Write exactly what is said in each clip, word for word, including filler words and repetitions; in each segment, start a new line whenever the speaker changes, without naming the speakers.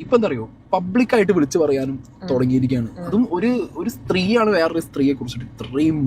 ഇപ്പൊ എന്താ അറിയോ, പബ്ലിക്കായിട്ട് വിളിച്ചു പറയാനും തുടങ്ങിയിരിക്കുകയാണ്. അതും ഒരു ഒരു സ്ത്രീയാണ് വേറൊരു സ്ത്രീയെ കുറിച്ചിട്ട് ഇത്രയും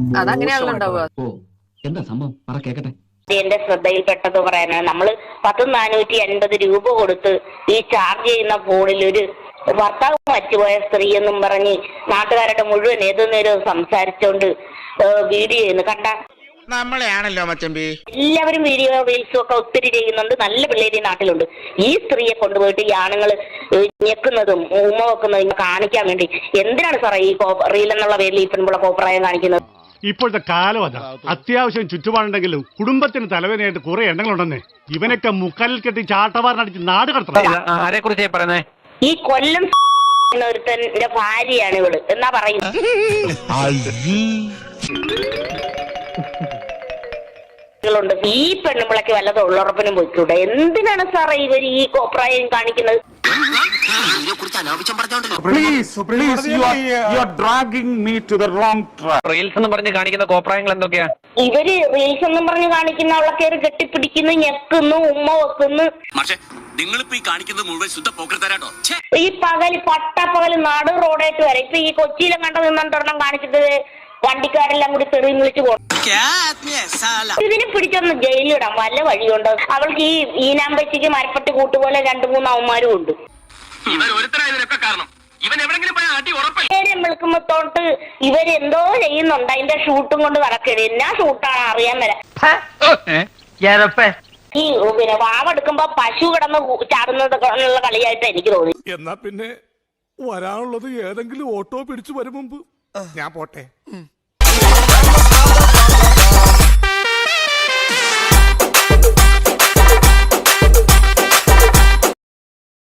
എന്താ സംഭവം പറ കേക്കട്ടെ.
എന്റെ ശ്രദ്ധയിൽപ്പെട്ടത് പറയാനാണ്, നമ്മള് പത്ത് നാനൂറ്റി അൻപത് രൂപ കൊടുത്ത് ഈ ചാർജ് ചെയ്യുന്ന ഫോണിൽ ഒരു ഭർത്താവ് മറ്റുപോയ സ്ത്രീ എന്നും പറഞ്ഞ് നാട്ടുകാരുടെ മുഴുവൻ ഏതു നേരവും സംസാരിച്ചോണ്ട് വീഡിയോ ചെയ്യുന്നു. കണ്ട
നമ്മളെയാണല്ലോ മച്ചമ്പി.
എല്ലാവരും വീഡിയോ റീൽസും ഒക്കെ ഒത്തിരി ചെയ്യുന്നുണ്ട്. നല്ല പിള്ളേര് നാട്ടിലുണ്ട്. ഈ സ്ത്രീയെ കൊണ്ടുപോയിട്ട് ഈ ആണുങ്ങൾ ഞെക്കുന്നതും ഉമ്മ വെക്കുന്നതും കാണിക്കാൻ വേണ്ടി എന്തിനാണ് സാറേ ഈ റീൽ എന്നുള്ള പേരിൽ ഈ പെൺപിള്ള കോപ്രായം കാണിക്കുന്നത്?
ഇപ്പോഴത്തെ കാലം അതാ. അത്യാവശ്യം ചുറ്റുപാടുണ്ടെങ്കിലും കുടുംബത്തിന് തലവേദനയായിട്ട് കുറെ എണ്ണങ്ങളുണ്ടെന്നേ. ഇവനൊക്കെ മുക്കാലിൽ കെട്ടി ചാട്ടവാറിനടിച്ച് നാട് കടത്തണം.
ആരെ കുറിച്ചാ പറയുന്നേ?
ഈ കൊല്ലം ഒരുത്തന്റെ ഭാര്യയാണ് ഇവള് എന്നാ പറയുന്നത്. ഈ പെണ്ണുമ്പിളക്ക് വല്ല തൊഴിലുറപ്പിനും പോയിക്കൂടെ? എന്തിനാണ് സാറേ ഇവർ ഈ കോപ്രായം കാണിക്കുന്നത്?
റീൽസ് എന്ന് പറഞ്ഞ് കാണിക്കുന്ന കോപ്രായങ്ങൾ എന്തൊക്കെയാ?
ഇവര് റീൽസ് എന്നും പറഞ്ഞ് കാണിക്കുന്ന അവളെ കയറി കെട്ടിപ്പിടിക്കുന്നു, ഞെക്കുന്നു, ഉമ്മ വെക്കുന്നു. ഈ പകല് പട്ടപ്പകല് നാട് റോഡായിട്ട് വരെ ഇപ്പൊ ഈ കൊച്ചിയിലും കണ്ട നിന്നൊരെണ്ണം കാണിച്ചിട്ട് വണ്ടിക്കാരെല്ലാം കൂടി തെറി വിളിച്ചു പോകും. ഇതിനെ പിടിച്ചൊന്ന് ജയിലിടാം വല്ല വഴിയുണ്ടോ? അവൾക്ക് ഈ ഈനാമ്പച്ചിക്ക് മരപ്പട്ടി കൂട്ടുപോലെ രണ്ടു മൂന്ന് അവന്മാരും ഉണ്ട്. നേരം വിളിക്കുമ്പോത്തോട്ട് ഇവരെന്തോ ചെയ്യുന്നുണ്ട്. അതിന്റെ ഷൂട്ടും കൊണ്ട് നടക്കരുത്. എന്നാ ഷൂട്ടാണ് അറിയാൻ വരാം. ഈ പിന്നെ വാവെടുക്കുമ്പോ പശു കിടന്ന് ചാടുന്നത് ഉള്ള കളിയായിട്ട് എനിക്ക് തോന്നി.
എന്നാ പിന്നെ വരാനുള്ളത് ഏതെങ്കിലും ഓട്ടോ പിടിച്ചു വരും മുമ്പ് ഞാൻ പോട്ടെ.